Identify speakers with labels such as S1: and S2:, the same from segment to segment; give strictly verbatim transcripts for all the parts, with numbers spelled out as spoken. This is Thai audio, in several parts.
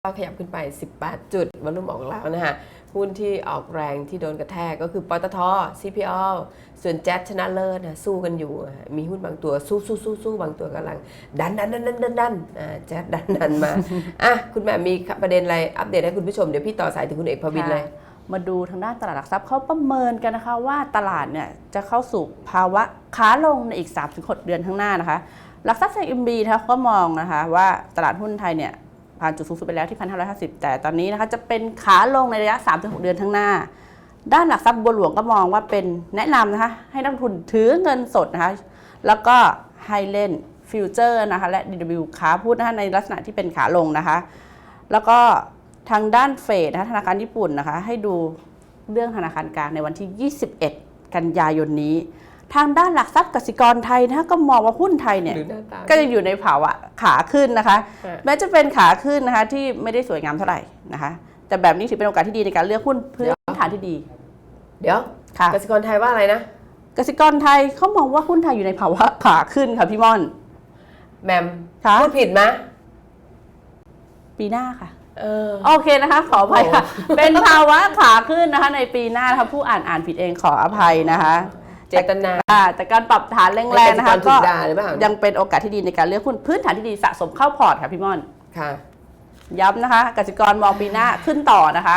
S1: ก็ขยับขึ้นไปสิบแปดจุดวอลุ่มออกแล้วนะฮะหุ้นที่ออกแรงที่โดนกระแทกก็คือปตท ซี พี แอล ส่วนแจ๊สชนะเลิศนะสู้กันอยู่มีหุ้นบางตัวสู้สู้สู้สู้บางตัวกำลังดันดันดันดันดันดันแจ๊สดันดันมาอ่ะคุณแม่มีประเด็นอะไรอัปเดตให้คุณผู้ชมเดี๋ยวพี่ต่อสายถึงคุณเอกพวินเลย
S2: มาดูทางด้านตลาดหลักทรัพย์เขาประเมินกันนะคะว่าตลาดเนี่ยจะเข้าสู่ภาวะขาลงในอีก สามถึงหก เดือนข้างหน้านะคะหลักทรัพย์ เอ็ม บี นะคะก็มองนะคะว่าตลาดหุ้นไทยเนี่ยผ่านจุดสูงสุดไปแล้วที่ หนึ่งพันห้าร้อยห้าสิบ แต่ตอนนี้นะคะจะเป็นขาลงในระยะ สามถึงหก เดือนข้างหน้าด้านหลักทรัพย์บัวหลวงก็มองว่าเป็นแนะนำนะคะให้นักลงทุนถือเงินสดนะคะแล้วก็ให้เล่นฟิวเจอร์นะคะและ ดี ดับเบิลยู ขาพูดนะคะในลักษณะที่เป็นขาลงนะคะแล้วก็ทางด้านเฟดนะคะธนาคารญี่ปุ่นนะคะให้ดูเรื่องธนาคารกลางในวันที่ยี่สิบเอ็ดกันยายนนี้ทางด้านหลักทรัพย์กสิกรไทยนะคะก็มองว่าหุ้นไทยเนี่ยก็ยังอยู่ในภาวะขาขึ้นนะคะแม้จะเป็นขาขึ้นนะคะที่ไม่ได้สวยงามเท่าไหร่นะคะแต่แบบนี้ถือเป็นโอกาสที่ดีในการเลือกหุ้นพื้นฐานที่ดี
S1: เดี๋ยวกสิกรไทยว่าอะไรนะ
S2: กสิกรไทยเขามองว่าหุ้นไทยอยู่ในภาวะขาขึ้นค่ะพี่ม่อน
S1: แมมพูดผิดไหม
S2: ปีหน้าค่ะโอเคนะคะขออภัยค่ะเป็นภาวะขาขึ้นนะคะในปีหน้านะคะผู้อ่านอ่านผิดเองขออภัยนะคะ
S1: เจตนา
S2: แต่การปรับฐานแรงๆนะคะก็ยังเป็นโอกาสที่ดีในการเลือกหุ้นพื้นฐานที่ดีสะสมเข้าพอร์ตค่ะพี่ม่อน
S1: ค่ะ
S2: ย้ำนะคะกสิกรมองปีหน้าขึ้นต่อนะคะ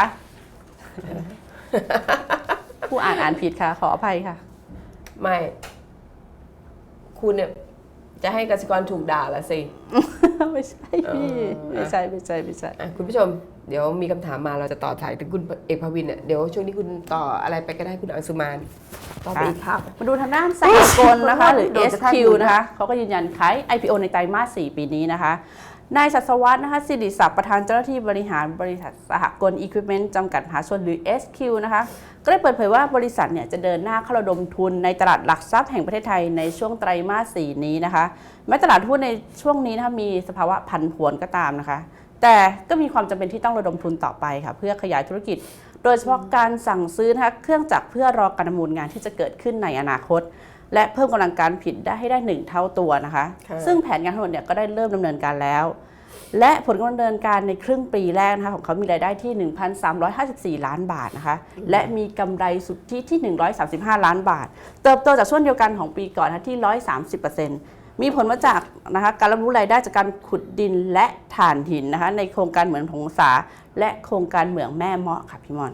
S2: ผู้อ่านอ่านผิดค่ะขออภัยค่ะ
S1: ไม่คุณเนี่ยจะให้กสิกรถูกด่าละสิ
S2: ไม่ใช่พี่ไม่ใช่ไม่ใช่ไม่ใช่
S1: คุณผู้ชมเดี๋ยวมีคำถามมาเราจะต่อสายถึงคุณเอกพวินเนี่ยเดี๋ยวช่วงนี้คุณต่ออะไรไปก็ได้คุณอังสุมานต่อไปอีกครับ
S2: มาดูทางด้านสหกรณ์นะคะหรือ เอส คิว นะคะเขาก็ยืนยันขาย ไอ พี โอ ในไตรมาสสี่ปีนี้นะคะนายศัสวัฒน์นะคะสิริศักดิ์ประธานเจ้าหน้าที่บริหารบริษัทสหกรณ์อีควิปเมนต์จำกัดมหาชนหรือ เอส คิว นะคะก็ได้เปิดเผยว่าบริษัทเนี่ยจะเดินหน้าเข้าระดมทุนในตลาดหลักทรัพย์แห่งประเทศไทยในช่วงไตรมาสสี่นี้นะคะแม้ตลาดหุ้นในช่วงนี้นะคะมีสภาวะผันผวนก็ตามนะคะแต่ก็มีความจำเป็นที่ต้องระดมทุนต่อไปค่ะเพื่อขยายธุรกิจโดยเฉพาะการสั่งซื้อนะคะเครื่องจักรเพื่อรอการดำเนินงานที่จะเกิดขึ้นในอนาคตและเพิ่มกำลังการผลิตได้ให้ได้หนึ่งเท่าตัวนะคะซึ่งแผนงานทั้งหมดเนี่ยก็ได้เริ่มดำเนินการแล้วและผลการดำเนินการในครึ่งปีแรกนะคะของเขามีรายได้ที่ หนึ่งพันสามร้อยห้าสิบสี่ ล้านบาทนะคะและมีกำไรสุทธิที่หนึ่งร้อยสามสิบห้าล้านบาทเติบโตจากช่วงเดียวกันของปีก่อนนะที่ หนึ่งร้อยสามสิบเปอร์เซ็นต์ มีผลมาจากนะคะการรับรู้รายได้จากการขุดดินและถ่านหินนะคะในโครงการเหมืองผงสาและโครงการเหมืองแม่เมาะค่ะพี่มอน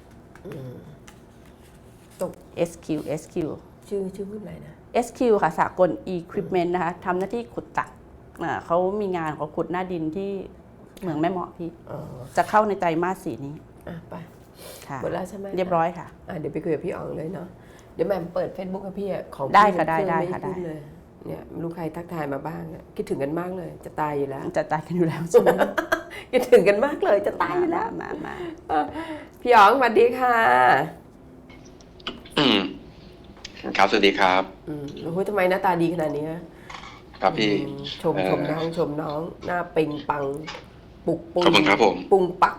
S1: ตก
S2: เอส คิว เอส คิว
S1: ชื่อชื่อหุ้นอะไรนะ
S2: เอส คิว ค่ะสากล Equipment นะคะทำหน้าที่ขุดตักเขามีงานเขาขุดหน้าดินที่เหมืองแม่เมาะพี่จะเข้าในไตรมาสสี่นี้
S1: ไปหมดแล้วใช่ไหม
S2: เรียบร้อยค่ะ
S1: เดี๋ยวไปคุยกับพี่อ๋องเลยเนาะเดี๋ยวแม่เปิด Facebook กับพี่ของ
S2: ได้ค่ะได้ได้ค่ะได้
S1: เลยเนี่ยลูกใครทักทายมาบ้างคิดถึงกันมากเลยจะตายอยู่แล้ว
S2: จะตายกันอยู่แล้วใช่ไหม
S1: คิดถึงกันมากเลยจะตายอยู่แล้ว
S2: มามา
S1: พี่อ๋องสวัสดีค่ะ
S3: ครับสวัสดีครับ
S1: อืมโอ้ยทำไมหน้าตาดีขนาดนี้
S3: ครับพี่
S1: ชมชมน้องชมน้องหน้าเป่งปังปุกปุง
S3: ครับผม
S1: ปุงปัก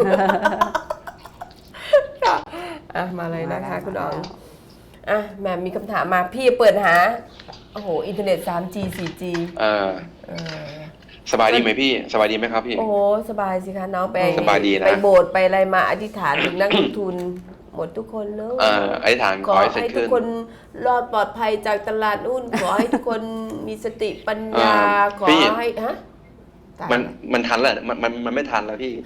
S1: อ่ะมาเลยนะคะคุณอ๋องอ่ะแม่มีคำถามมาพี่เปิดหาโอ้โหอินเทอร์เน็ต ทรีจี โฟร์จี
S3: เออสบายดีไหมพี่สบายดีไหมครับพี่
S1: โอ้สบายสิคะน้องไป
S3: สบายดีนะ
S1: ไปโบสถ์ไปอะไรมาอธิษฐานถึงนักลงทุนหมดทุกคนเลย
S3: อธิษฐานขอ
S1: ให้ทุกคนรอดปลอดภัยจากตลาดหุ้นขอให้ทุกคนมีสติปัญญาขอให้ฮะ
S3: มันมันทันแล้วมันมันมันไม่ทันแล้วพี่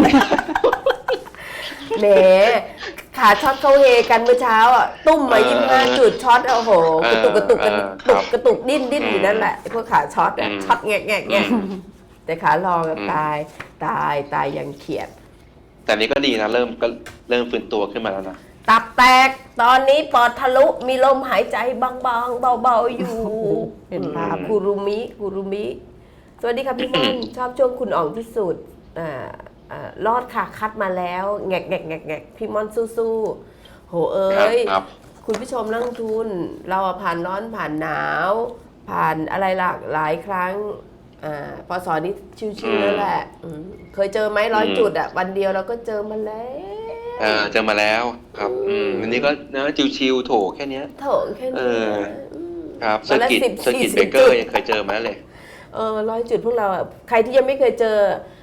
S1: แหมขาช็อตเขาเฮกันเมื่อเช้าอ่ะตุ้มมายี่สิบห้าจุดช็อตโอ้โหกระตุกกระตุกกันตุกกระตุกดิ้นดิ้นอยู่นั่นแหละพวกขาช็อตอ่ะช็อตแงะแงะแงะแต่ขาลองตายตายตายยังเขียด
S3: แต่นี้ก็ดีนะเริ่มก็เริ่มฟื้นตัวขึ้นมาแล้วนะ
S1: ตับแตกตอนนี้ปอดทะลุมีลมหายใจบางๆเบาๆอยู่
S2: เป็นภาพ
S1: กูรุมิกูรุมิสวัสดีค่ะพี่ม่อนชอบช่วงคุณอ่องที่สุดอ่ารอดค่ะคัดมาแล้วแงกแงกแงกแงกพี่ม่อนสู้ๆโหเอ้ยคุณผู้ชมนักลงทุนเราผ่านร้อนผ่านหนาวผ่านอะไรหลากหลายครั้งอ่าพอสอนนี้ชิวๆนั่นแหละเคยเจอไหมร้อยจุดอ่ะวันเดียวเราก็เจอมาแล้ว
S3: อ่าเจอมาแล้วครับอืมอันนี้ก็นะชิวๆโถแค่นี้
S1: โถแค่นี้
S3: ครับเซอร์กิตเซอร์กิตเบเกอร์ยังเคยเจอมาเลย
S1: เออร้อยจุดพวกเราอ่ะใครที่ยังไม่เคยเจอ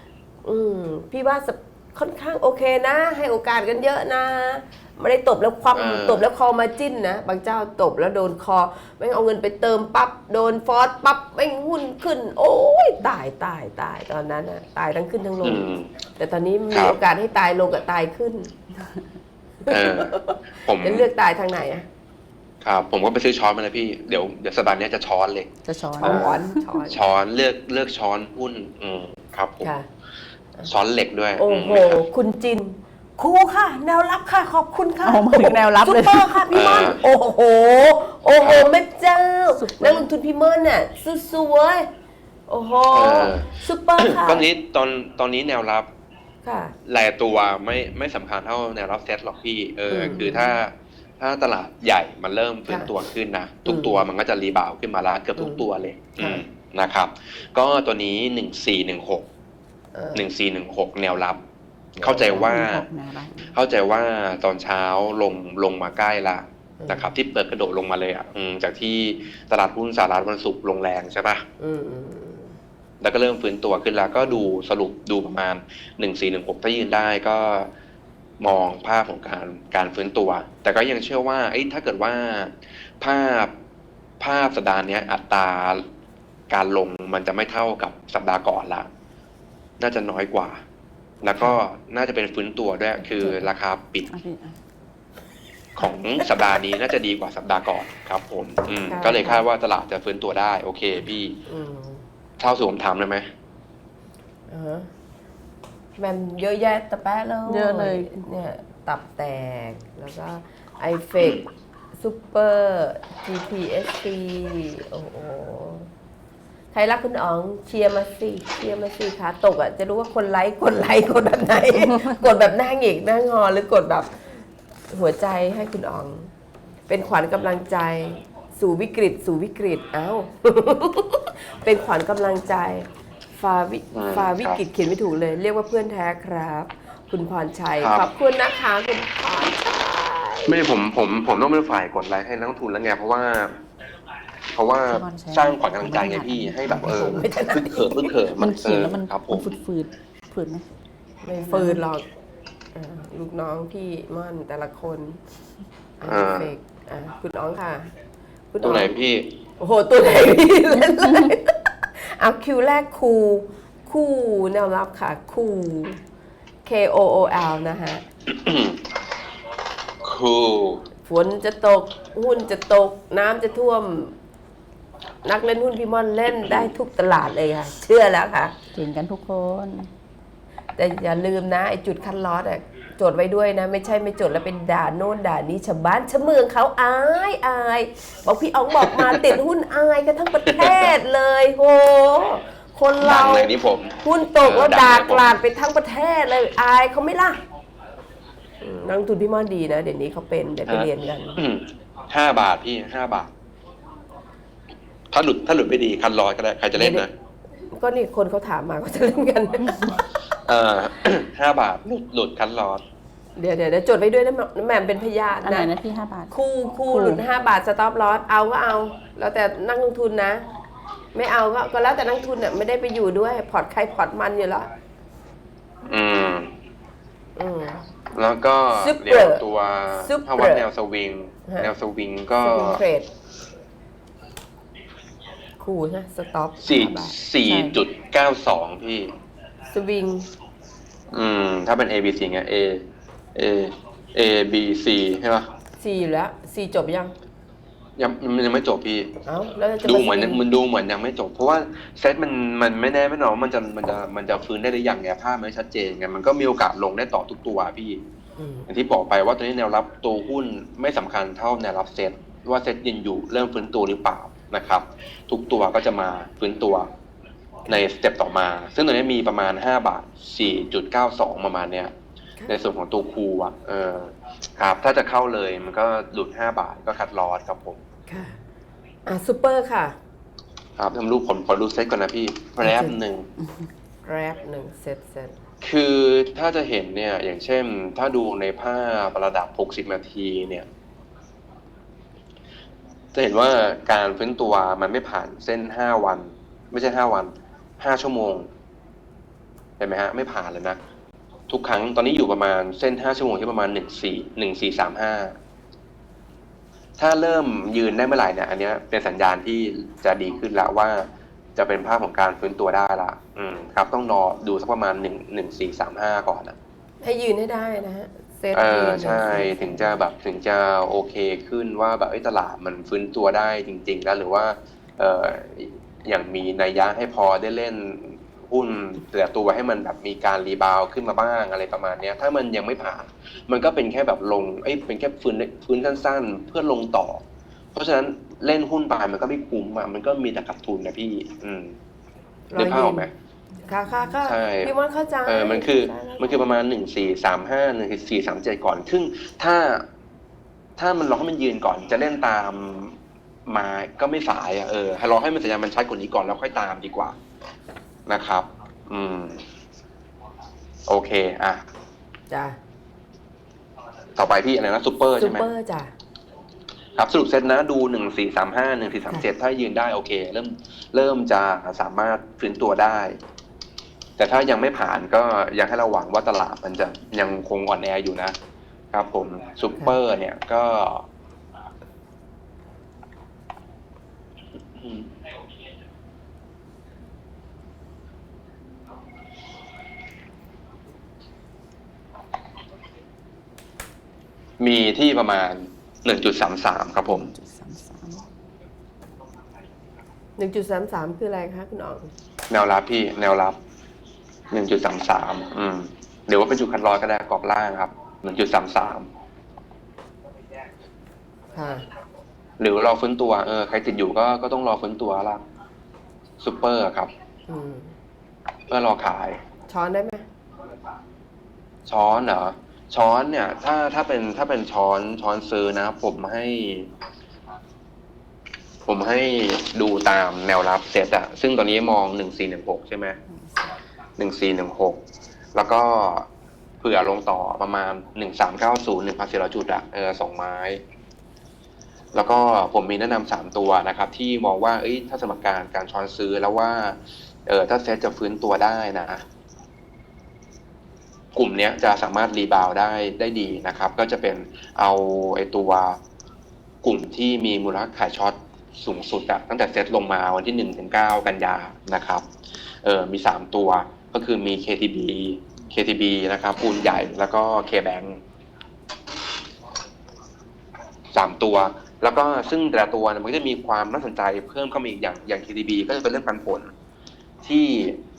S1: อืมพี่ว่าค่อนข้างโอเคนะ ให้โอกาสกันเยอะนะไม่ได้ตบแล้วความ
S3: เออ
S1: ตบแล้วคอมาจิ้นนะบางเจ้าตบแล้วโดนคอไม่งเอาเงินไปเติมปั๊บโดนฟอสปั๊บไม่งหุ้นขึ้น โอ้ยตายตายตายตอนนั้นนะตายทั้งขึ้นทั้งล
S3: อื
S1: ง
S3: ม
S1: แต่ตอนนี้
S3: ค
S1: มี
S3: รับ
S1: โอกาสให้ตายลงกับตายขึ้น
S3: เออผม
S1: จะเลือกตายทางไหนอะ
S3: ครับผมก็ไปซื้อช้อนมาแล้วพี่เดี๋ยวเดี๋ยวสัปดาห์นี้จะช้อนเลย
S2: จะช้อน
S1: ช้อนช้อน
S3: ช้อนเลือกเลือกช้อนหุ้นอืมครับผม
S1: ค่ะ
S3: ช้อนเหล็กด้วย
S1: โอ้
S3: อืม
S1: โห
S3: ครับ
S1: คุณจินครูค่ะ แนวรับค่ะ ขอบคุณค่ะ
S2: เอามาถึงแนวรับ
S1: ซุ
S2: เล
S1: ป
S2: ย
S1: เปอร์ค่ะพี่ม่อน
S3: อ่า
S1: โอ้โห โอ้โหแม่เจ้า
S2: ซุปเปอร์
S1: นักลงทุนพี่ม่อนน่ะสู้ๆเว้ยโอ้โห
S3: เออ
S1: ซุปเปอร์ค่ะ
S3: ตอนนี้ตอนตอนนี้แนวรับ
S1: ค่ะ
S3: รายตัวไม่ไม่สำคัญเท่าแนวรับเซตหรอกพี่เอออ
S1: ม
S3: คือถ้าถ้าตลาดใหญ่มันเริ่มฟื้นตัวขึ้นนะทุกตัวมันก็จะรีบาวด์ขึ้นมาละเกือบทุกตัวเลย
S1: ค่ะ
S3: อืมนะครับ ก็ตัวนี้หนึ่งสี่หนึ่งหก
S1: เออ
S3: หนึ่งสี่หนึ่งหกแนวรับ เข้าใจว่า
S2: แนวรับ
S3: เข้าใจว่าตอนเช้าลงลงมาใกล้ละ
S1: อืม
S3: นะครับ ที่เปิดกระโดดลงมาเลยอ่ะอืมจากที่ตลาดหุ้นสหรัฐวันศุกร์ลงแรงใช่ปะ
S1: อืมอืมอืม
S3: แล้วก็เริ่มฟื้นตัวขึ้นแล้วก็ดูสรุปดูประมาณหนึ่งสี่หนึ่งหกถ้ายืนได้ก็มองภาพของการการฟื้นตัว แต่ก็ยังเชื่อว่าเอ้ยถ้าเกิดว่าภาพภาพสัปดาห์เนี้ยอัตราการลงมันจะไม่เท่ากับสัปดาห์ก่อนละน่าจะน้อยกว่า แล้วก็น่าจะเป็นฟื้นตัวด้วยคือราคาปิด
S2: อ่ะพี่อ่ะ
S3: ของสัปดาห์นี้น่าจะดีกว่าสัปดาห์ก่อนครับผมอืม
S1: ค่ะ
S3: ก็เลยคาดว่าตลาดจะฟื้นตัวได้โอเคพี่
S1: อืม
S3: เท่าสู่ผมถามเลยไหม
S1: อ่าฮะแมันเยอะแยะตะแปะเลย
S2: เยอะเลย
S1: เนี่ยตับแตกแล้วก็ไอเฟกซูเปอร์ จี พี เอส ซี โอ้โหใครรักคุณอ๋องเชียร์มาสิเชียร์มาสิขาตกอ่ะจะรู้ว่าคนไลค์กดไลค์กดแบบไหน กดแบบหน้าหงิกหน้างอหรือกดแบบหัวใจให้คุณอ๋อง เป็นขวัญกำลังใจสู่วิกฤต สู่วิกฤตเอ้า เป็นขวัญกำลังใจฝ่าวิ
S3: อืม
S1: ฝ่าวิกฤต
S3: ครับ
S1: เขียนไม่ถูกเลย เรียกว่าเพื่อนแท้ครับ คุณพรชัย
S3: ครับ
S1: ขอบคุณนะคะคุณพรชัย
S3: ไม่ผมผมผมต้องเป็นฝ่ายกดไลค์ให้นักลงทุนแล้วไงเพราะว่า เพราะว่าสร้างขวัญกำลังใจไงพี่ให้แบบเออ
S1: ไม่ถนัด
S3: พึ่งเขิมพึ่งเขิม
S2: มันเขียนแล้วมัน
S3: ออครับผ
S2: มัน
S3: ม
S2: ฝืดฝืดฝืดไหม
S1: ไม่ฟืนหรอกอ่าลูกน้องพี่ม่อนแต่ละคนอ่า
S3: อ่า
S1: เฟกอ่าคุณอ๋องค่ะ คุณ
S3: ตัวไหน
S1: อ๋อง
S3: พี่
S1: โอ้โห ตัวไหนพี่เล่นเลยเอาคิวแรกคูคู่แนวรับค่ะ คู่ K O O L นะฮะ
S3: คูล
S1: ฝนจะตก หุ้นจะตก น้ำจะท่วม นักเล่นหุ้นพี่ม่อนเล่นได้ทุกตลาดเลยค่ะ เชื่อแล้วค่ะ
S2: เก่งกันทุกคน
S1: แต่อย่าลืมนะไอ้จุดคัดลอสอ่ะจดไว้ด้วยนะ ไม่ใช่ไม่จดแล้วเป็นด่าโน่นด่านี้ชาวบ้านชาวเมืองเขาอายอายบอกพี่อ๋องบอกมาติดหุ้นอายกันทั้งประเทศเลยโหคน
S3: ดั
S1: เรา
S3: งเลยนี่ผม
S1: หุ้นตก
S3: เออ
S1: แล้ว
S3: ดัง
S1: ด่า
S3: เลยผม
S1: กลาดไปทั้งประเทศเลยอายเขาไม่ล่ะอืมนักลงทุนพี่ม่อนดีนะเดี๋ยวนี้เขาเป็นเดี๋ยวไปเรียนกัน
S3: อืมห้าบาทพี่ห้าบาท ถ้าหลุดถ้าหลุดไม่ดีคันลอยก็ได้ใครจะเล่นนะ
S1: ก็นี่คนเขาถามมาก็จะเล่นกัน
S3: เออ ห้าบาทหลุดหลุดคันลอย
S1: เดี๋ยวเดี๋ยวเดี๋ยวจดไว้ด้วยนะแหม่มเป็นพยาน
S2: อันไหน
S1: นะ
S2: นะพี่ห้าบาท
S1: คู่คู่
S2: คู่
S1: หลุดห้าบาทสต็อปลอสเอาก็เอา แล้วแต่นักลงทุนนะ ไม่เอาก็ก็แล้วแต่นักลงทุนเนี่ยไม่ได้ไปอยู่ด้วย พอร์ตใครพอร์ตมันอยู่แล้ว
S3: อืม
S1: อืม
S3: แล้วก็
S1: Super
S3: เดี๋ยวตัว
S1: Super
S3: ถ้าวัดแนวสวิง
S1: ฮะ
S3: แนวสวิงก็
S1: สวิงเทรดคู่ใช่สต็อป
S3: สี่
S1: บาท
S3: สี่จุดเก้าสองพี่
S1: สวิง
S3: อืม ถ้าเป็น A B C ไง A A A B C ใช่ปะ
S1: สี่อยู่แล้วสี่จบยัง
S3: ยังมันยังไม่จบพี่
S1: เอ้าแล้วจะ
S3: ดู
S1: มา
S3: เหมือน
S1: สวิง
S3: มันดูเหมือนยังไม่จบ เพราะว่าเซตมันมันไม่แน่ไม่นอนว่ามันจะมันจะมันจะฟื้นได้หรือยังไงภาพไม่ชัดเจนไงมันก็มีโอกาสลงได้ต่อทุกตัวพี่
S1: อืม
S3: อย่างที่บอกไปว่าตัวนี้แนวรับตัวหุ้นไม่สำคัญเท่าแนวรับเซตว่าเซตยืนอยู่เริ่มฟื้นตัวหรือเปล่านะครับ ทุกตัวก็จะมาฟื้นตัวในสเต็ปต่อมา ซึ่งตัวนี้มีประมาณห้าบาท สี่จุดเก้าสอง ประมาณเนี้ย ในส่วนของตัวคูอ่ะเออครับ ถ้าจะเข้าเลยมันก็หลุดห้าบาทก็คัดลอสครับผม
S1: ค่ะอ่ะซูเปอร์ค่ะ
S3: ครับทำรูปผมขอดูเซตก่อนนะพี่แป๊บหนึ่ง
S1: แรปหนึ่งเซตเซต
S3: คือถ้าจะเห็นเนี่ยอย่างเช่น ถ้าดูในภาพระดับหกสิบนาทีเนี่ย จะเห็นว่าการฟื้นตัวมันไม่ผ่านเส้นห้าวัน ไม่ใช่ห้าวันห้าชั่วโมงเห็นไหมฮะไม่ผ่านเลยนะทุกครั้งตอนนี้อยู่ประมาณเส้นห้าชั่วโมงที่ประมาณหนึ่งสี่หนึ่งสี่สามห้าถ้าเริ่มยืนได้เมื่อไหร่เนี่ยอันเนี้ยเป็นสัญญาณที่จะดีขึ้นแล้วว่าจะเป็นภาพของการฟื้นตัวได้ละอืมครับต้องรอดูสักประมาณหนึ่งหนึ่งสี่สามห้าก่อนนะ
S1: ให้ยืนให้ได้นะฮะเซต
S3: เอ
S1: ยื
S3: อน ใช่ถึงจะแบบถึงจะโอเคขึ้นว่าแบบไอ้ตลาดมันฟื้นตัวได้จริงๆแล้วหรือว่าเอออย่างมีนัยยะให้พอได้เล่นหุ้นแต่ละตัวให้มันแบบมีการรีบาวขึ้นมาบ้างอะไรประมาณเนี้ยถ้ามันยังไม่ผ่านมันก็เป็นแค่แบบลงเอ้ยเป็นแค่ฟื้นฟื้นสั้นๆเพื่อลงต่อ เพราะฉะนั้นเล่นหุ้นไปมันก็ไม่คุ้มอ่ะมันก็มีแต่ขาดทุนนะพี่ อืมได้ภาพออกไหม
S1: ค่ะค่ะค่ะ
S3: ใช่
S1: พี่ว่าเข้าใจ
S3: เออมันคือ
S1: ใช่แล้ว
S3: มันคือประมาณหนึ่งสี่สามห้าหนึ่งสี่สามเจ็ดก่อน ซึ่งถ้า ถ้ามันรอให้มันยืนก่อน จะเล่นตามมาก็ไม่สายอ่ะ เออ ให้รอให้มันสัญญาณมันชัดกว่านี้ก่อนแล้วค่อยตามดีกว่า นะครับ อืม โอเค อ่ะ
S1: จ้ะ
S3: ต่อไปพี่อะไรนะซูเปอร์
S1: ซู
S3: ใช่ไหม
S1: เปอร์จ้ะ
S3: ครับสรุปเซตนะดูหนึ่งสี่สามห้าหนึ่งสี่สามเจ็ดถ้ายืนได้โอเค เริ่มเริ่มจะสามารถฟื้นตัวได้ แต่ถ้ายังไม่ผ่านก็ยังให้เราหวังว่าตลาดมันจะยังคงอ่อนแออยู่นะครับผมซูเปอร์เนี่ยก็อืมมีที่ประมาณหนึ่งจุดสามสามครับผม
S2: จุดสามสาม
S1: หนึ่งจุดสามสามคืออะไรคะคุณอ๋อง
S3: แนวรับพี่แนวรับหนึ่งจุดสามสามอืมเดี๋ยวว่าเป็นจุดคัดลอยก็ได้กรอบล่างครับหนึ่งจุดสามสาม
S1: ค่ะ
S3: หรือรอฟื้นตัวเออใครติดอยู่ก็ก็ต้องรอฟื้นตัวละซูเปอร์ครับ
S1: อืม
S3: เพื่อรอขาย
S1: ช้อนได้ไหม
S3: ช้อนเหรอช้อนเนี่ย ถ้าถ้าเป็นถ้าเป็นช้อนช้อนซื้อนะ ผมให้ ผมให้ดูตามแนวรับเซตอะซึ่งตอนนี้มองหนึ่งสี่หนึ่งหกใช่ไหมหนึ่งสี่หนึ่งหกแล้วก็เผื่อลงต่อประมาณหนึ่งสามเก้าศูนย์หนึ่งพันสี่ร้อยจุดอะเออสองไม้ แล้วก็ผมมีแนะนำสามตัวนะครับ ที่มองว่าเอ้ยถ้าสมการการช้อนซื้อแล้วว่าเออถ้าเซตจะฟื้นตัวได้นะ กลุ่มเนี้ยจะสามารถรีบาวได้ได้ดีนะครับ ก็จะเป็นเอาไอตัวกลุ่มที่มีมูลค่าขายช็อตสูงสุดอะตั้งแต่เซตลงมาวันที่หนึ่งถึงเก้ากันยานะครับเออมีสามตัวก็คือมี เค ที บี เค ที บี นะครับปูนใหญ่แล้วก็ K-Bank สามตัว แล้วก็ซึ่งแต่ละตัวเนี่ยมันก็จะมีความน่าสนใจเพิ่มเข้ามาอีกอย่างอย่าง เค ที บี ก็จะเป็นเรื่องปันผลที่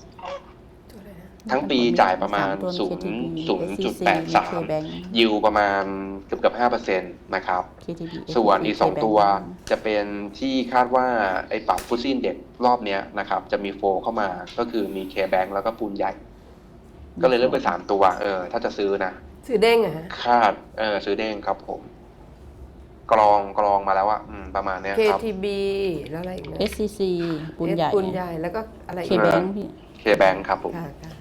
S3: ทั้งปีจ่ายประมาณ ศูนย์จุดแปดสาม ยิวประมาณเกือบเกือบห้าเปอร์เซ็นต์นะครับ ส่วนอีกสองตัวจะเป็นที่คาดว่าไอ้ปรับฟุตซินเด็กรอบเนี้ยนะครับ จะมีโฟเข้ามาก็คือมี K-Bank แล้วก็ปูนใหญ่ ก็เลยเลือกไปสามตัว เออ ถ้าจะซื้อนะ
S1: ซื้อเด้งอะฮะ
S3: คาด เออ ซื้อเด้งครับผม กรองกรองมาแล้วอะอืม ประมาณเนี้ย
S1: เค
S3: ครับ
S1: ที บี แล้วอะไรอีกนะ
S2: เอส ซี ซี ปูนใหญ่
S1: ปูนใหญ่แล้วก็อะไรอีก
S2: K-Bank พี่
S3: K-Bank ครับผม
S1: ค่ะค่ะ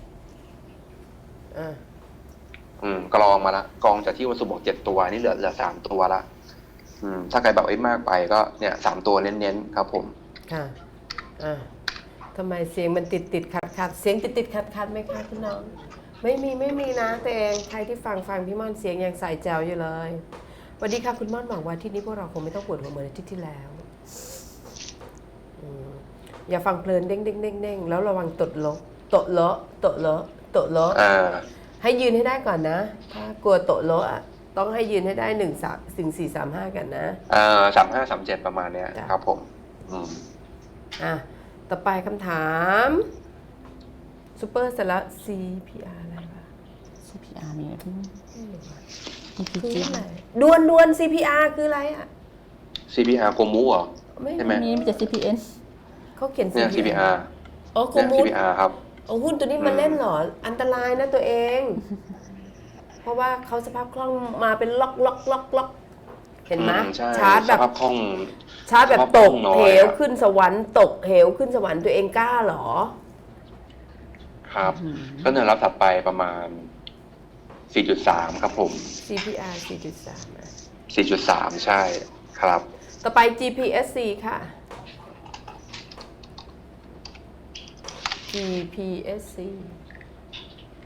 S1: อ่า
S3: อืมกรองมาละกรองจากที่วันศุกร์บอกเจ็ดตัวนี่เหลือเหลือสามตัวละอืม ถ้าใครแบบไอ้มากไปก็เนี่ยสามตัวเน้นๆครับผม
S1: ค่ะอ่าทำไมเสียงมันติดติดขัดขัดเสียงติดติดขัดขัดไหมคะคุณน้อง ไม่มีไม่มีนะแต่เองใครที่ฟังฟังพี่ม่อนเสียงยังใส่แจวอยู่เลยสวัสดีค่ะคุณม่อนหวังว่าอาที่นี้พวกเราคงไม่ต้องปวดหัวเหมือนอาทิตย์ที่แล้วอืมอย่าฟังเพลินเด้งเด้งเด้งเด้งแล้วระวังตดลบตดเลาะตดเลาะตดเลาะ
S3: อ่า
S1: ให้ยืนให้ได้ก่อนนะ ถ้ากลัวโตะโละอะต้องให้ยืนให้ได้หนึ่งสามถึงสี่สามห้ากันนะ
S3: อ่าสามห้าสามเจ็ดประมาณเนี้ย
S1: จ้ะ
S3: ครับผม อืม
S1: อ่ะ ต่อไปคำถามซูเปอร์เสร็จแล้ว ซี พี อาร์ อะไรวะ
S2: ซี พี อาร์ มีอะไรพี่
S1: ไม่รู้อะ
S2: อี พี
S1: คือ
S2: จี
S1: อะไรดวนดวน ซี พี อาร์ คืออะไรอ่ะ
S3: ซี พี อาร์ โคมูเหรอ
S1: ไม่
S3: ใช่ไหม
S2: มีมีแต่ ซี พี เอ็น
S1: เขาเขียน
S3: เนี่ย ซี พี อาร์
S1: อ๋อโค
S3: เนี่ย
S1: มู
S3: ซี พี อาร์ ครับ
S1: เอาหุ้นตัวนี้มาเล่นเหรอ อันตรายนะตัวเอง เพราะว่าเขาสภาพคล่องมาเป็นล็อกล็อกล็อกล็อกเห็นไหม
S3: อืมใช่
S1: ชาร์จแบบ
S3: สภาพคล่อง
S1: ชาร์จแบบตก
S3: สภาพคล่องน้อย
S1: เหว
S3: ครับ
S1: ขึ้นสวรรค์ตกเหวขึ้นสวรรค์ตัวเองกล้าเหรอ
S3: ครับ ก็แนวรับถัดไปประมาณ สี่จุดสาม ครับผม
S1: ซี พี อาร์ สี่จุดสาม นะ
S3: สี่จุดสาม ใช่ครับ
S1: ต่อไป จี พี เอส ซี ค่ะ จี พี เอส ซี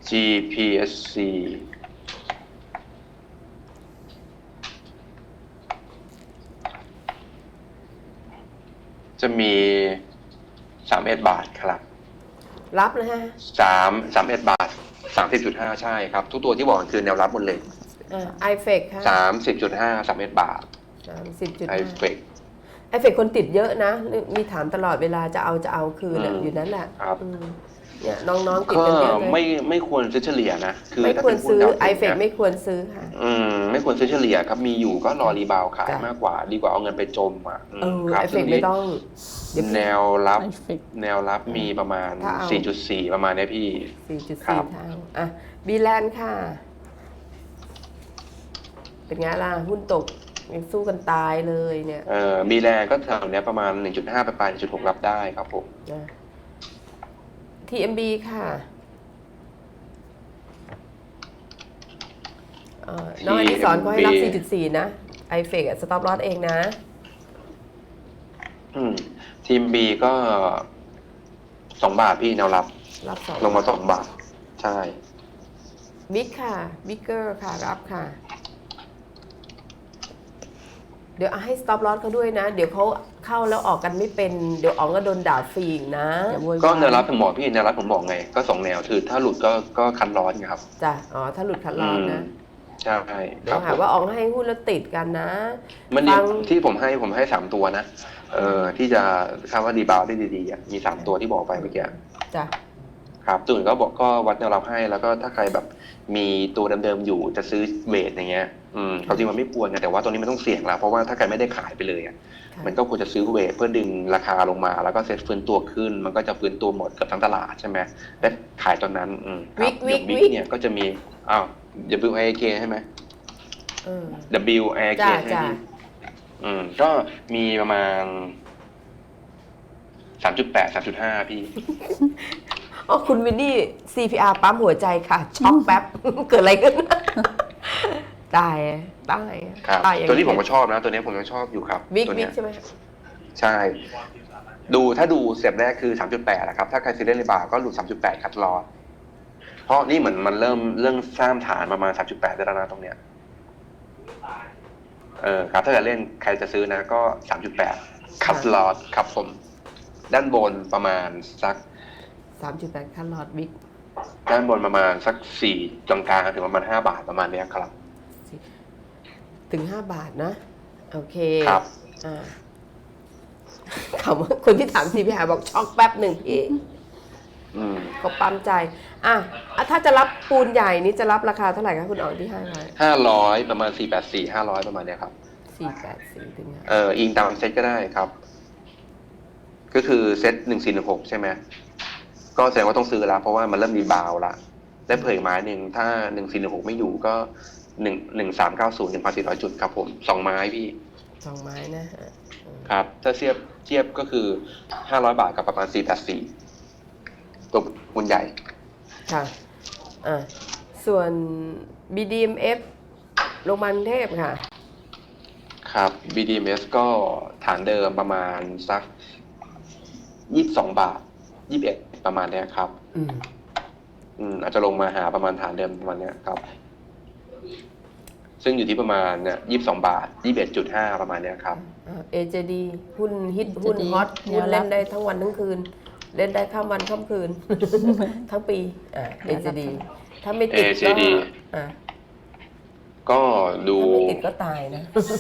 S3: จี พี เอส ซี จะมีสามสิบเอ็ดบาทครับ
S1: รับนะฮะ
S3: สามสามเอ็ดบาทสามสิบจุดห้าใช่ครับ ทุกตัวที่บอกคือแนวรับหมดเลย
S1: อ่าไอเฟกค่ะ
S3: สามสิบจุดห้าสามเอ็ดบาท
S1: สามสิบจุด
S3: ไอ
S1: ห้า
S3: เฟก
S1: ไอเฟกคนติดเยอะนะ มีถามตลอดเวลาจะเอาจะเอาคืนน่ะ
S3: อืม
S1: อยู่นั่นแหละ
S3: ครับ
S1: อืมเนี่ยน้องๆติด
S3: ก็
S1: กันเยอะเลย
S3: ไม่ไม่ควรซื้อเฉลี่ยนะ คือ
S1: ไม่
S3: ถ้า
S1: ควร
S3: เป็นหุ้น
S1: ซื้อ
S3: ดาว
S1: ไอ
S3: เที
S1: เฟ
S3: ย
S1: ก
S3: ม
S1: ไม่ควรซื้อค่ะ
S3: อืมไม่ควรซื้อเฉลี่ยครับ มีอยู่ก็รอรีบาวขาย
S1: จ้ะ
S3: มากกว่า ดีกว่าเอาเงินไปจมอ่ะอืม
S1: เออ
S3: ครับ
S1: ไอเฟ
S3: ซึ่
S1: ก
S3: ง
S1: ไม่
S3: นี้
S1: ต้องเดี๋ยว
S3: แนวรับ
S2: ไอเฟก
S3: แนวรับมีประมาณ
S1: ถ้าเอา
S3: สี่จุดสี่ ประมาณเนี้ยพี่
S1: สี่จุด
S3: ครั
S1: สี่
S3: บ
S1: เท่าอ่ะบีแลนด์ค่ะ เป็นไงล่ะ หุ้นตกยังสู้กันตายเลยเนี่ย
S3: เอ่อมีแรงก็แถวเนี้ยประมาณ หนึ่งจุดห้า ไปปลาย หนึ่งจุดหก รับได้ครับผม
S1: นะ ที เอ็ม บี ค่ะเอ่อน้องอดิศรเขาให้รับ สี่จุดสี่ นะ ไอเฟกสต็อปลอสเองนะ
S3: อืมทีม B ก็สองบาทพี่แนวรับ
S1: รับสอง
S3: ลงมาสองบาท ใช่
S1: บิ๊กค่ะ บิ๊กเกอร์ค่ะ รับค่ะ เดี๋ยวเอาให้ stop loss เขาด้วยนะ เดี๋ยวเขาเข้าแล้วออกกันไม่เป็น เดี๋ยวอ๋องก็โดนด่าฟรีอีกนะ
S2: อย่าโวยวาย
S3: ก็แนวรับผมบอกพี่แนวรับผมบอกไง ก็สองแนวคือถ้าหลุดก็ก็คันร้อนไงครับ
S1: จ้ะ อ๋อ ถ้าหลุดคัดลอสนะ
S3: ใช่ค
S1: เดี๋ย
S3: รั
S1: ว
S3: บ
S1: หา
S3: ผม
S1: ว่าอ๋องให้หุ้นแล้วติดกันนะ
S3: มันนี่
S1: ฟัง
S3: ที่ผมให้ผมให้สามตัวนะเอ่อที่จะคาดว่าดีบาวได้ดีๆอ่ะมีสามตัวที่บอกไปเมื่อกี้
S1: จ้ะ
S3: ครับตัวอื่นก็บอกก็วัดแนวรับให้แล้วก็ถ้าใครแบบมีตัวเดิมๆอยู่จะซื้อเวทอย่างเงี้ยอืมความจริงมันไม่ควรไงแต่ว่าตัวนี้มันต้องเสี่ยงละเพราะว่าถ้าใครไม่ได้ขายไปเลยอ่ะ
S1: ค่ะ
S3: มันก็ควรจะซื้อเวทเพื่อดึงราคาลงมาแล้วก็เซ็ตฟื้นตัวขึ้น มันก็จะฟื้นตัวหมดเกับทั้งตลาดใช่ไหมและขายตอนนั้นอืมครับ
S1: วิกวิก
S3: เดี๋ยววิ
S1: วิ
S3: ก
S1: ก
S3: เนี่ยก็จะมีอ้าว W I K ใช่ไหม
S1: เออ
S3: W I K
S1: จ้ะ
S3: ใช่ไหม
S1: จ้ะ
S3: พี่อืมก็มีประมาณสามจุดแปดสามจุดห้าพี่
S1: อ๋อ คุณวินนี่ ซี พี อาร์ ปั๊มหัวใจค่ะ ช็อกแป๊บ เกิดอะไรขึ้น ตายตาย
S3: ครับ
S1: ตายอย่าง
S3: ตัวนี้ผมก็ชอบนะ ตัวนี้ผมยังชอบอยู่ครับ
S1: วิก
S3: ตัว
S1: วิ
S3: เนี้
S1: ก
S3: ย
S1: ใช่ไหม
S3: ใช่ ดูถ้าดูสเต็ปแรกคือ สามจุดแปด นะครับ ถ้าใครซื้อเล่นรีบาวก็หลุด สามจุดแปด คัดลอสเพราะนี่เหมือนมันเริ่มเริ่มสร้างฐานประมาณ สามจุดแปด ได้แล้วนะตรงเนี้ยเออครับถ้าจะเล่นใครจะซื้อนะก็ สามจุดแปด คัดลอสครับผม ด้านบนประมาณสัก
S1: สามจุดแปดคันลอดวิก
S3: ด้านบนประมาณสักสี่กลางๆถึงประมาณห้าบาทประมาณเนี้ยครับ
S1: ถึงห้าบาทนะ โอเค
S3: ครับ
S1: อ่าคำว่าคนที่ถาม ซี พี อาร์ บอกช็อกแป๊บหนึ่งพี่
S3: อืม
S1: เขาปั๊มใจ อ่ะอ่ะถ้าจะรับปูนใหญ่นี่จะรับราคาเท่าไหร่คะคุณอ๋องที่ให้ไว้
S3: ห้าร้อยประมาณสี่แปดสี่ห้าร้อยประมาณเนี้ยครับ
S1: สี่แปดสี่ถึงห้า
S3: เอออิงตามเซตก็ได้ครับ ก็คือเซตหนึ่งสี่หนึ่งหกใช่ไหมก็แสดงว่าต้องซื้อแล้วเพราะว่ามันเริ่มรีบาวละได้เผยไม้หนึ่งถ้าหนึ่งสี่หนึ่งหกไม่อยู่ก็หนึ่งหนึ่งสามเก้าศูนย์หนึ่งพันสี่ร้อยจุดครับผมสองไม้พี่
S1: สองไม้นะฮะ
S3: ครับ ถ้าเทียบเทียบก็คือห้าร้อยบาทกับประมาณสี่แปดสี่ตัวบุญใหญ่
S1: ค่ะ อ่ะ ส่วน บี ดี เอ็ม เอฟ โรงพยาบาลกรุงเทพค่ะ
S3: ครับ บี ดี เอ็ม เอส ก็ฐานเดิมประมาณสักยี่สิบสองบาทยี่สิบเอ็ดประมาณเนี้ยครับ
S1: อืม
S3: อืมอาจจะลงมาหาประมาณฐานเดิมประมาณเนี้ยครับ ซึ่งอยู่ที่ประมาณเนี่ยยี่สิบสองบาทยี่สิบเอ็ดจุดห้าประมาณเนี้ยครับ
S1: เอ เจ ดี หุ้นฮิต
S2: เอ เจ ดี
S1: หุ้นฮอต
S2: แน
S1: หุ้
S2: วน รับ
S1: เล่นได้ทั้งวันทั้งคืน เล่นได้ข้ามวันข้ามคืน ทั้งปี อ่า เอ เจ ดี ถ้าไม่ติด
S3: เอ เจ
S1: ก็
S3: ดี
S1: อ่า
S3: ก็ดู
S1: ถ้าไม่ติดก็ตายนะ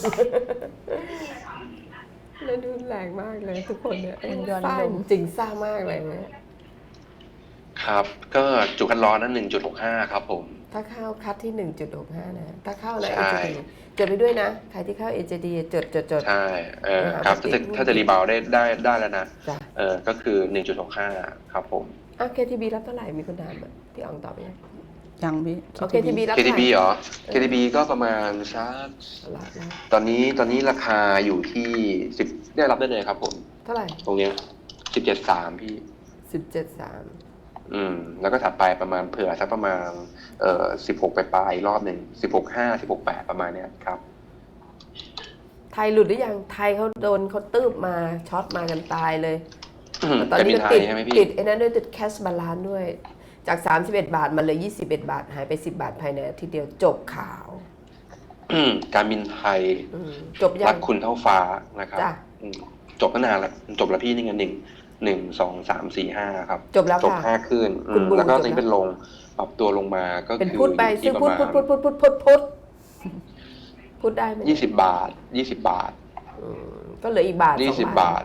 S1: แล้วดูแรงมากเลยทุกคนเนี่ย
S2: มันย้อน
S1: ซ่า
S2: ลง
S1: จริงซ่ามากเลยเนี่ย
S3: ครับ ก็จุกันร้อนนั้นหนึ่งจุดหกห้าครับผม
S1: ถ้าเข้าคัดที่ หนึ่งจุดหกห้า นะ ถ้าเข้านะ
S3: ใช่
S1: เอ เจ ดี จดไปด้วยนะ ใครที่เข้า เอ เจ ดี จดจดจด
S3: ใช่เออ
S1: นะครับ
S3: ครับ
S1: ปกติ
S3: ถ้าจะถ้าจะรีบาวได้ได้ได้แล้วนะ
S1: จ้ะ
S3: เออก็คือหนึ่งจุดหกห้าครับผม
S1: อ่ะ เค ที บี รับเท่าไหร่ มีคนถามอ่ะพี่อ๋องตอบไปยัง
S2: ยังพี่
S1: โอเค ที บี รับ
S3: เค
S1: เท่า
S3: ที
S1: ไหร่
S3: บี เหรอ เค ที บี ก็ประมาณสัก
S1: รับแล้ว
S3: ตอนนี้ตอนนี้ราคาอยู่ที่สิบได้รับได้เลยครับผม
S1: เท่าไหร่
S3: ตรงเนี้ยสิบเจ็ดสามพี่
S1: สิบเจ็ดสาม
S3: อืม แล้วก็ถัดไปประมาณเผื่อสักประมาณเอ่อสิบหกไปปลายๆอีกรอบหนึ่งสิบหกห้าสิบหกแปดประมาณเนี้ยครับ
S1: ไทยหลุดหรือยัง ไทยเขาโดนเขาตืบมาช็อตมากันตายเลย ตอน
S3: จะ
S1: นี้
S3: มี
S1: ก็
S3: ไท
S1: ติ
S3: ย
S1: ด
S3: ใช่ไหมพี่
S1: ติดไอ้นั้นด้วยติดแคชบาลานด้วยจากสามสิบเอ็ดบาทมาเลยยี่สิบเอ็ดบาทหายไปสิบบาทภายในอาทิตย์เดียวจบข่าว
S3: การบินไทย
S1: อืมจบยั
S3: รั
S1: ง
S3: กคุณเท่าฟ้านะครับ
S1: จ้ะ
S3: อืมจบตั้งนานแล้วจบแล้วพี่นี่ไงหนึ่งหนึ่งสองสามสี่ห้าครับ
S1: จบแล้ว
S3: จบ
S1: ค่ะ
S3: ห้าขึ้นอื
S1: คุณ
S3: ม
S1: บู
S3: แล้วก็
S1: จบ
S3: ตอนนี้
S1: แล้ว
S3: เป็นลงปรับตัวลงมาก็
S1: เป็น
S3: คือ
S1: พูดไป
S3: อยู่
S1: ซื้อ
S3: ที่ป
S1: พูด
S3: ระ
S1: พู
S3: มา
S1: ด
S3: ณ
S1: พูดพูดพูดพูดพูดพูดได้ไหม
S3: ยี่สิบบาทยี่สิบบาท
S1: อืมก็เหลืออีกบาท
S3: ยี่
S1: ส
S3: สิ
S1: อ
S3: บ
S1: ง
S3: บาท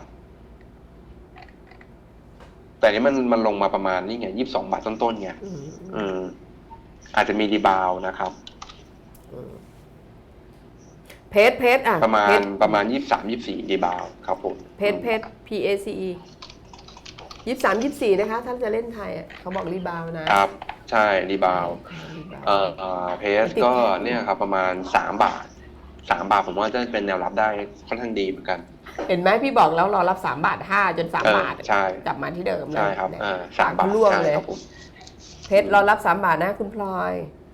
S3: แต่นี้มันมันลงมาประมาณนี่ไงยี่สิบสองบาทต้นๆไง
S1: อืม
S3: อืม อาจจะมีรีบาวด์นะครับ
S1: เพจเพจอ่ะ
S3: ประมา
S1: เพ
S3: ณ
S1: จ
S3: ประมาณยี่สิบสามยี่สิบสี่รีบาวด์ครับผม
S1: เพจเพจ P A C E ยี่สิบสามยี่สิบสี่นะคะท่านจะเล่นไทยอ่ะเขาบอกรีบาวน์นะครับ
S3: ใช่รีบาวด์
S1: รีบาวน์
S3: เอ่อเอ่อเพสก็เนี่ยครับประมาณสามบาทสามบาทผมว่าจะเป็นแนวรับได้ค่อนข้างดีเหมือนกัน
S1: เห็นไหมพี่บอกแล้วรอรับสามบาทห้าจนสาม
S3: เออบ
S1: าท
S3: ใช่
S1: กลับมาที่เดิมเลย
S3: ใช่ครับ
S1: เนี่ย
S3: เออสามบาท
S1: ล่วง
S3: ใช่
S1: เลย
S3: ครับผม
S1: เพชรรอรับสามบาทนะคุณพลอย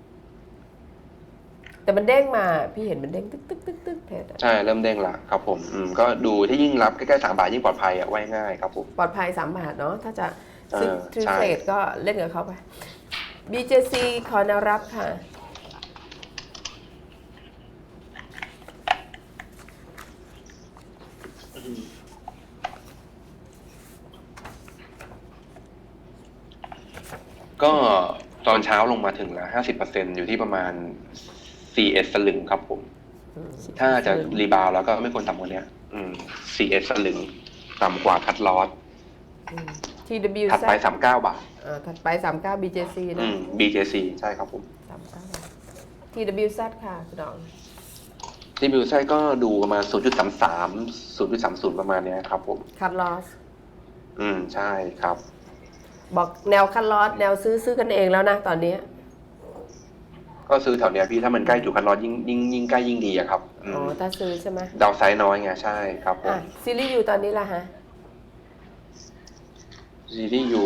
S1: แต่มันเด้งมาพี่เห็นมันเด้งตึ๊กตึ๊กตึ๊กตึ๊กเพชรอะ
S3: ใช่เริ่มเด้งละครับผมอืมก็ดูที่ยิ่งรับใกล้ๆสามบาทยิ่งปลอดภัยอ่ะไว้ง่ายครับผม
S1: ปลอดภัยสามบาทเนาะถ้าจะซื้อ
S3: เออ
S1: ซื้อ
S3: ใช่
S1: เทรดก็เล่นกับเขาไป บี เจ ซี ขอแนวรับค่ะ
S3: ก็ตอนเช้าลงมาถึงแล้วห้าสิบเปอร์เซ็นอยู่ที่ประมาณสี่เอสสลึงครับผม ถ้าจะรีบาวด์แล้วก็ไม่ควรต่ำกว่านี้อืมสี่เอสสลึงต่ำกว่าคัดลอส
S1: ที ดับเบิลยู
S3: ถัดไปสามเก้าบาท
S1: อ่าถัดไปสามเก้า บี เจ ซี
S3: อื
S1: นะ
S3: ม บี เจ ซี ใช่ครับผม
S1: สามเก้า ที ดับเบิลยู ซี ค่ะคุณดอง
S3: ที่บิวไซก็ดูประมาณ ศูนย์จุดสามสาม ศูนย์จุดสามศูนย์ ประมาณเนี้ยครับผม
S1: คัดลอส
S3: อืม ใช่ครับ
S1: บอกแนวคัดลอสแนวซื้อซื้อกันเองแล้วนะตอนนี้
S3: ก็ซื้อแถวเนี้ยพี่ถ้ามันใกล้อยู่คันรอยิ่งยิ่งยิ่งใกล้ยิ่งดีอะครับอื
S1: อ๋อ
S3: ม
S1: ถ้าซื้อใช่ไหม
S3: ดาวไซด์น้อยไงใช่ครับผม
S1: อ่ะซีรีส์อยู่ตอนนี้ละฮะ
S3: ซีรีส์อยู่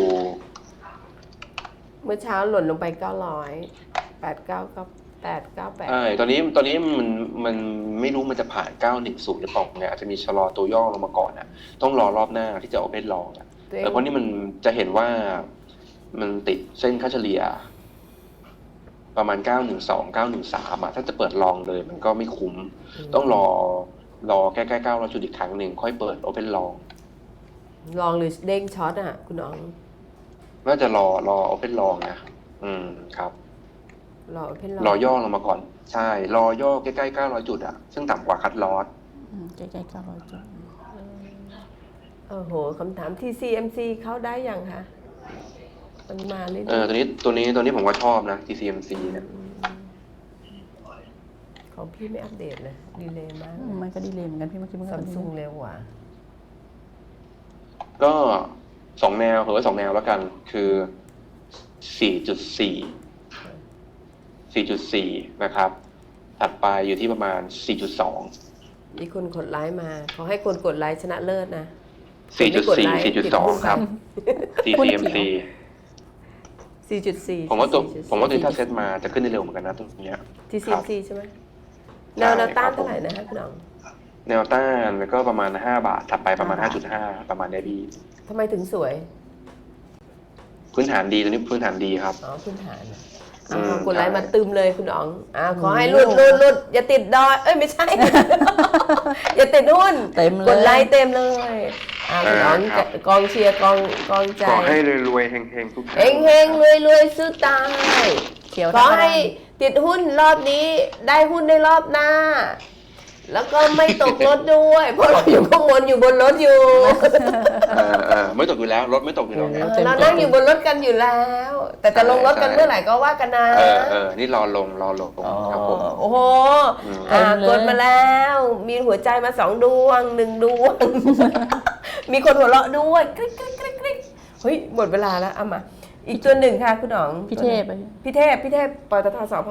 S1: เมื่อเช้าหล่นลงไปเก้าร้อยแปดเก้าก็แปดเก้าแปด
S3: ใช่ตอนนี้ตอนนี้มันมันไม่รู้มันจะผ่านเก้าหนึ่งศูนย์หรือเปล่าเนี่ยอาจจะมีชะลอตัวย่อลงมาก่อนนะต้องรอรอบหน้าที่จะโอเพ่นลองอะ
S1: ตัวเอ
S3: แต่
S1: ง
S3: เพราะนี่มันจะเห็นว่ามันติดเส้นค่าเฉลี่ย ประมาณเก้าหนึ่งสอง เก้าหนึ่งสามอะถ้าจะเปิดลองเลยมันก็ไม่คุ้ม ต้องรอรอใกล้ๆเก้าร้อยจุดอีกครั้งหนึ่งค่อยเปิดโอเพ่นลอง
S1: ลองหรือเด้งช็อตอ่ะ คุณน้อง
S3: น่าจะรอรอโอเพ่นลองนะอืมครับ
S1: รอเพ่นลอง
S3: รอย่อลงมาก่อน ใช่ รอย่อใกล้ๆเก้าร้อยจุดอะซึ่งต่ำกว่าคัดลอส
S2: อืมใกล้ๆเก้าร้อยจุด
S1: โอ้โหคำถาม ที ซี เอ็ม ซี เข้าได้ยังคะมันมาเรื่อย
S3: เออตัวนี้ตัวนี้ตัวนี้ผมก็ชอบนะ ที ซี เอ็ม ซี เนี่ย
S1: ๆของพี่ไม่อัปเดตเลยดีเลยมาก
S2: อืมมันก็ดีเลยเหมือนกันพี่เมื่อกี้มันก็
S1: ซัม
S2: ดี
S1: ซุงเร็วกว่า
S3: ก็สองแนวเหรือสองแนวแล้วกัน คือ สี่จุดสี่ สี่จุดสี่ นะครับ ถัดไปอยู่ที่ประมาณ สี่จุดสอง
S1: มีคนกดไลค์มาขอให้คนกดไลค์ชนะเลิศนะ
S3: สี่จุดสี่ สี่จุดสอง ครับ ที ซี เอ็ม ซี
S1: สี่จุดสี่
S3: ผมว่าตัวผมว่าตัวนี้ถ้าเซตมาจะขึ้นได้เร็วเหมือนกันนะตัวเนี้ย
S1: ที ซี เอ็ม ซี ใช่ไหมแนวแนวต้านเท่าไหร่นะฮะคุณน้อง
S3: แนวต้านแล้วก็ประมาณห้าบาท ถัดไปประมาณ ห้าจุดห้า ประมาณเนี้ยดี
S1: ทำไมถึงสวย
S3: พื้นฐานดีตัวนี้พื้นฐานดีครับ
S1: อ๋อพื้นฐานนะ
S3: อื
S1: อ่าม กดไลค์
S3: ใช่
S1: มาตึมเลยคุณอ๋องอ่าขอให้หลุดหลุดหลุดอย่าติดดอย เอ้ยไม่ใช่ อย่าติดหุ้น
S2: เต็มเลย
S1: กดไลค์เต็มเลยอ่าคุณอ๋องกองเชียร์กองกองใจ
S3: ขอให้รวยๆเฮงๆทุกท่าน
S1: เฮงเฮงรวยรวยซื้อตาย
S2: เขียว
S1: ขอให้ติดหุ้นรอบนี้ได้หุ้นในรอบหน้า แล้วก็ไม่ตกรถด้วย เพราะเราอยู่ข้างบนอยู่บนรถอยู่
S3: เออเออไม่ตกอยู่แล้วรถไม่ตกอยู่แล้วไง
S1: เออเรานั่งอยู่บนรถกันอยู่แล้ว แต่จะลงรถกันเมื่อไหร่ก็ว่ากันนะ
S3: เออเออนี่รอลงรอลงครับผม
S1: โอ้โห
S3: อืม
S1: อ่ากดมาแล้ว มีหัวใจมาสองดวงหนึ่งดวง มีคนหัวเราะด้วยกริ๊กกริ๊กกริ๊กกริ๊กเฮ้ยหมดเวลาแล้วเอามา อีกตัวหนึ่งค่ะคุณหนอง
S2: พี่เทพไป
S1: พี่เทพพี่เทพปตทสผ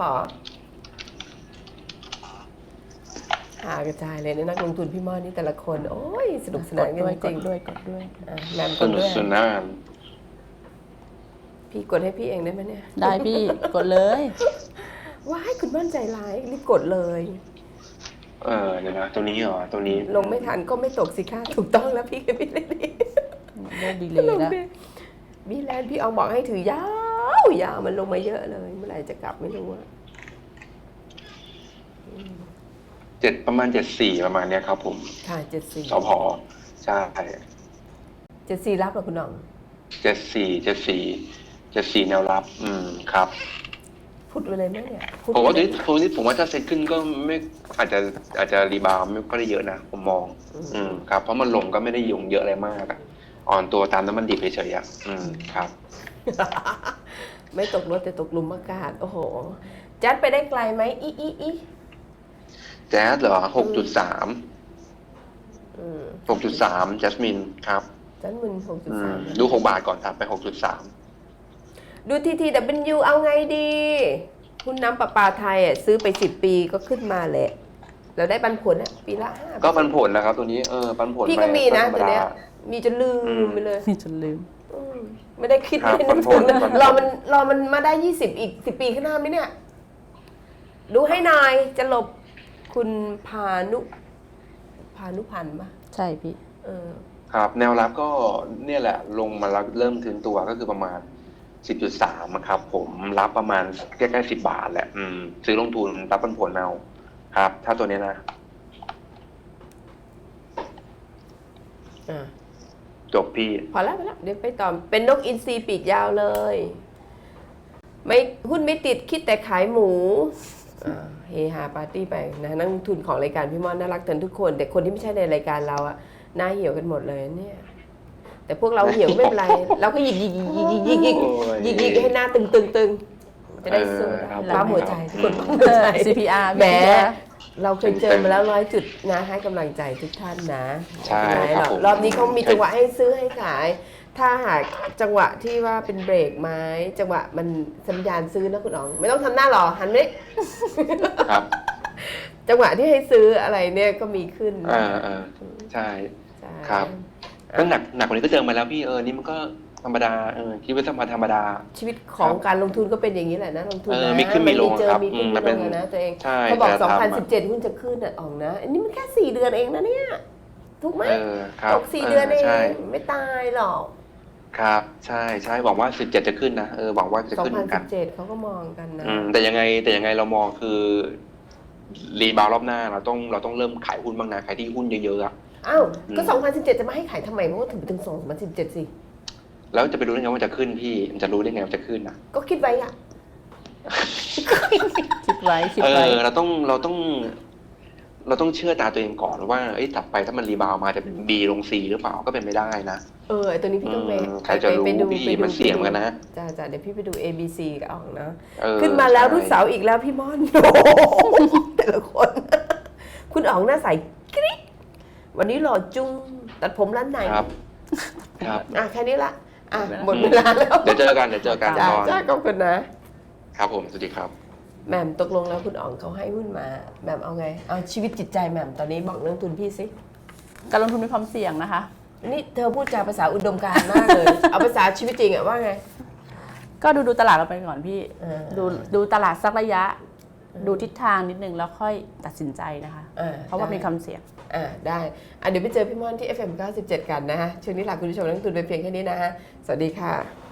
S1: หากระจายเลยนะนักลงทุนพี่มอนี่แต่ละคน โอ้ยสนุกส
S2: ก
S1: นาน
S2: ด
S1: กัน
S2: ด้วย
S1: จ
S2: ก
S1: ริ
S2: ด
S1: ง
S2: ด้วยกดด้วย
S1: ๆอ่ะแหมม
S3: ส
S1: กด
S3: นุ
S1: ด้
S3: ก
S1: วย
S3: สนาน
S1: พี่กดให้พี่เองได้ไหมเนี่ย
S2: ได้พี่กดเลย
S1: ว้ายคุณมั่นใจร้ายรีบกดเลย
S3: เออเดี๋ยวนะตัวนี้เหรอตัวนี้
S1: ลงไม่ทันก็ไม่ตกสิค่ะถูกต้องแล้วพี่กับพี่เลยดี
S2: ได้ดีเลยนะ
S1: บีแลนด์พี่เอาบอกให้ถือยาวยาวมันลงมาเยอะเลยเมื่อไหร่จะกลับไม่รู้อะ
S3: เจ็ดประมาณเจ็ดสี่ประมาณเนี้ยครับผม
S1: ค่ะเจ็ดสี่
S3: สพใช่
S1: เจ็ดสี่รับเหรอคุณหน่อง
S3: เจ็ดสี่เจ็ดสี่เจ็ดสี่แนวรับ อืมครับ
S1: พูดไปเลยไหมเนี่ยพูด
S3: ผมว่า
S1: ไป
S3: ที
S1: เลย
S3: นี้ผมว่าผมว่าถ้าเซ็ตขึ้นก็ไม่อาจจะอาจจะรีบาวด์ไม่ค่อยได้เยอะนะผมมอง อืมครับเพราะมันลงก็ไม่ได้ยงเยอะอะไรมากอะอ่อนตัวตามน้ำมันดิบเฉยๆอ่ะอืมครับ
S1: ไม่ตกรถแต่ตกหลุมอากาศ โอ้โห จัดไปได้ไกลไหมอีอีอี
S3: แจ๊สเหรอหกจุดสาม
S1: อืม
S3: หกจุดสามจัสมินครับ
S1: จันมึนหกจุด
S3: อื
S1: สาม
S3: มดูหกบาทก่อนครับไปหกจุดสาม
S1: ดูทีทีดับเบิลยูเอาไงดีหุ้นน้ำประปาไทยอ่ะซื้อไปสิบปีก็ขึ้นมาแหละเราได้ปันผลอ่ะปีละห้า
S3: ก็ปันผลนะครับตัวนี้เออปันผล
S1: พี่ก็มีนะ
S3: ธรร
S1: ตัวเนี้ย
S3: ดา
S1: มีจนลืมไปเลย
S2: นี่จนลืม
S1: อืมไม่ได้คิด
S3: ครับ
S1: ไม่ได้นึก
S3: ปันผ
S1: ถึ
S3: ล
S1: งเลย
S3: ปันผล
S1: รอมันรอมันมาได้ยี่สิบอีกสิบปีข้างหน้าไหมเนี่ย ดูให้หน่อยจะหลบคุณพานุพานุพันธ์ปะ
S2: ใช่พี่
S1: เออ
S3: ครับแนวรับก็เนี่ยแหละลงมาแล้วเริ่มถึงตัวก็คือประมาณ สิบจุดสาม ครับผมรับประมาณใกล้ๆสิบบาทแหละอืมซื้อลงทุนรับปันผลเอาครับ ถ้าตัวนี้นะ
S1: อ่ะ
S3: จบพี่
S1: พอแล้วพอแล้วเดี๋ยวไปต่อเป็นนกอินทรีปีกยาวเลย ไม่หุ้นไม่ติดคิดแต่ขายหมูอ่าเฮฮาปาร์ตี้ไปนะนักลงทุนของรายการพี่มอนน่ารักกันทุกคน แต่คนที่ไม่ใช่ในรายการเราอะหน้าเหี่ยวกันหมดเลยเนี่ย แต่พวกเราเหี่ยวไม่เป็นไร เราก็หยิกหยิกหยิกหยิกหยิกหยิก
S3: โอ้ย
S1: หยิกหยิกให้หน้าตึงตึงตึงจะได้สู้
S3: เออครับ
S1: ปั๊มหัวใจทุกคนปั๊มหัวใจ
S2: ซี พี อาร์
S1: แหมเราเคยเจอมาแล้วร้อยจุดนะให้กำลังใจทุกท่านนะ
S3: ใช่
S1: ไม่เป็นไรหรอก
S3: ครับผม
S1: รอบนี้เขามีจังหวะให้ซื้อให้ขาย ถ้าหากจังหวะที่ว่าเป็นเบรกไม้จังหวะมันสัญญาณซื้อนะคุณอ๋อง ไม่ต้องทำหน้าหรอหันไป
S3: ครับ
S1: จังหวะที่ให้ซื้ออะไรเนี่ยก็มีขึ้น
S3: อ่าอ่าใช่
S1: ใช่
S3: ครับก็หนักหนักกว่านี้ก็เจอมาแล้วพี่เออนี่มันก็ธรรมดาเออคิดว่าธรรมดาธรรมดา
S1: ชีวิตของการลงทุนก็เป็นอย่างนี้แหละนะลงทุน
S3: เออ
S1: นะ
S3: มีขึ้นมีลง
S1: เจอ
S3: ครับ
S1: มีขึ้น
S3: อืม
S1: มี
S3: มัน
S1: ล
S3: เป็น
S1: งอะนะตัวเอง
S3: ใช่
S1: เขาบอก
S3: แต่
S1: สองพัน
S3: ทำ
S1: สิ
S3: อะ
S1: บเจ็ดหุ้นจะขึ้นอ่ะอ๋องนะอันนี้มันแค่สี่เดือนเองนะเนี่ยถูกไหม
S3: เออครับ
S1: ตกสี่เดือนเอ
S3: ใช่
S1: งไม่ตายหรอก
S3: ครับใช่ใช่หวังว่าสิบเจ็ดจะขึ้นนะเออหวังว่าจะ
S1: สอง
S3: ขึ้นเห
S1: พั
S3: มื
S1: น
S3: อนกั
S1: สิ
S3: น
S1: บเจ็ดเขาก็มองกันนะ
S3: อืมแต่ยังไงแต่ยังไงเรามองคือรีบาวด์รอบหน้าเราต้องเราต้องเริ่มขายหุ้นบ้างนะขายที่หุ้นเยอะๆอะ
S1: อ้าวก็
S3: อืม
S1: สองพันสิบเจ็ดจะมาให้ขายทำไมเพราะว่าถึงถึงสองพันสิบเจ็ดสิ
S3: แล้วจะไปรู้ได้ไงว่าจะขึ้นพี่มันจะรู้ได้ไงว่าจะขึ้นนะ
S1: ก็คิดไว้อ่ะ
S2: คิดไว้คิด
S3: เอ
S2: ไว้
S3: อเราต้องเราต้อง เราต้องเชื่อตาตัวเองก่อนว่าเอ้ยถัดไปถ้ามันรีบาวด์มาจะเป็น B ลง C หรือเปล่าก็เป็นไม่ได้นะ
S1: เออไอตัวนี้พี่ต้องไป
S3: อืมใครจะรู้
S1: ไปดู
S3: พี่
S1: ไปดู
S3: มันเสี่ยงเหมือนกันนะ
S1: จ้าจ้าเดี๋ยวพี่ไปดู A B C กับอ่องนะ
S3: เออ
S1: ขึ้นมาแล้ว
S3: ใช่
S1: รุ่นเสาร์อีกแล้วพี่ม่อน โอ้โหแต่ละคน คุณอ๋องหน้าใสกริ๊กวันนี้หล่อจุ้งตัดผมร้านไหน
S3: ครับ ครับ
S1: อ่ะแค่นี้ละอ่ะหมดเวลาแล้ว
S3: เดี๋ยวเจอกันเดี๋ยวเจอกัน
S1: จ้า
S3: ตอน
S1: จ้าขอบคุณนะ
S3: ครับผมสวัสดีครับ
S1: แหม่มตกลงแล้วคุณอ๋องเขาให้หุ้นมาแหม่มเอาไง เอาชีวิตจิตใจแหม่มตอนนี้บอกเรื่องทุนพี่สิ
S2: การลงทุนมีความเสี่ยงนะคะ
S1: นี่เธอพูดจาภาษาอุดมการณ์มากเลย เอาภาษาชีวิตจริงอะว่าไง
S2: ก็ดูดูตลาดเราไปก่อนพี่
S1: เออ
S2: ดูดูตลาดสักระยะ ดูทิศทางนิดนึงแล้วค่อยตัดสินใจนะคะ
S1: อ่า
S2: เพราะว่า
S1: ได้
S2: มีความเสี่ยง
S1: อ่าได้อ่ะเดี๋ยวไปเจอพี่ม่อนที่ เอฟ เอ็ม เก้าสิบเจ็ด กันนะฮะช่วงนี้ลาคุณผู้ชมนักลงทุนไปเพียงแค่นี้นะฮะ สวัสดีค่ะ